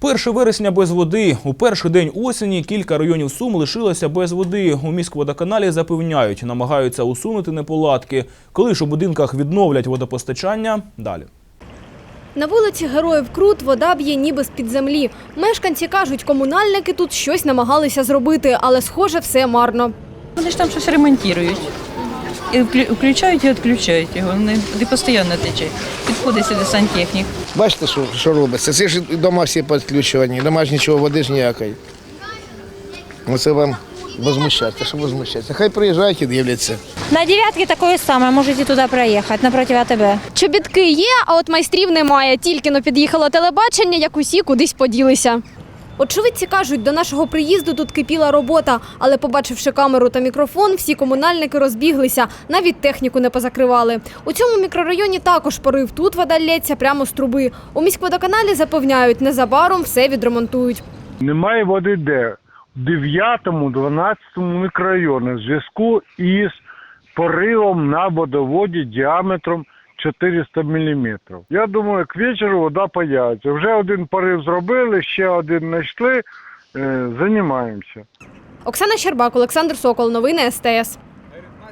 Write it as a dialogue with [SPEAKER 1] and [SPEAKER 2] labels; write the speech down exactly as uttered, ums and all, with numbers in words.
[SPEAKER 1] перше вересня без води. У перший день осені кілька районів Сум лишилося без води. У міськводоканалі запевняють, намагаються усунути неполадки. Коли ж у будинках відновлять водопостачання – далі.
[SPEAKER 2] На вулиці Героїв Крут вода б'є ніби з-під землі. Мешканці кажуть, комунальники тут щось намагалися зробити, але, схоже, все марно.
[SPEAKER 3] Вони ж там щось ремонтують. І включають і відключають його, не, не постійно тече. Підходить сюди сантехнік.
[SPEAKER 4] Бачите, що, що робиться? Це ж дома всі підключені, дома ж нічого, води ж ніякої. Оце вам возмущається, що возмущається. Хай приїжджають і дивляться.
[SPEAKER 5] На дев'ятки такое саме, можете туди проїхати, напроти АТБ.
[SPEAKER 2] Чобітки є, а от майстрів немає. Тільки но під'їхало телебачення, як усі кудись поділися. Очевидці кажуть, до нашого приїзду тут кипіла робота, але побачивши камеру та мікрофон, всі комунальники розбіглися, навіть техніку не позакривали. У цьому мікрорайоні також порив, тут вода лється прямо з труби. У міськводоканалі запевняють, незабаром все відремонтують.
[SPEAKER 6] Немає води де? В дев'ятому-дванадцятому мікрорайоні в зв'язку із поривом на водоводі діаметром чотириста міліметрів. Я думаю, к вечору вода появиться. Вже один порив зробили, ще один знайшли, е, займаємося.
[SPEAKER 2] Оксана Щербак, Олександр Сокол, новини ес те ес.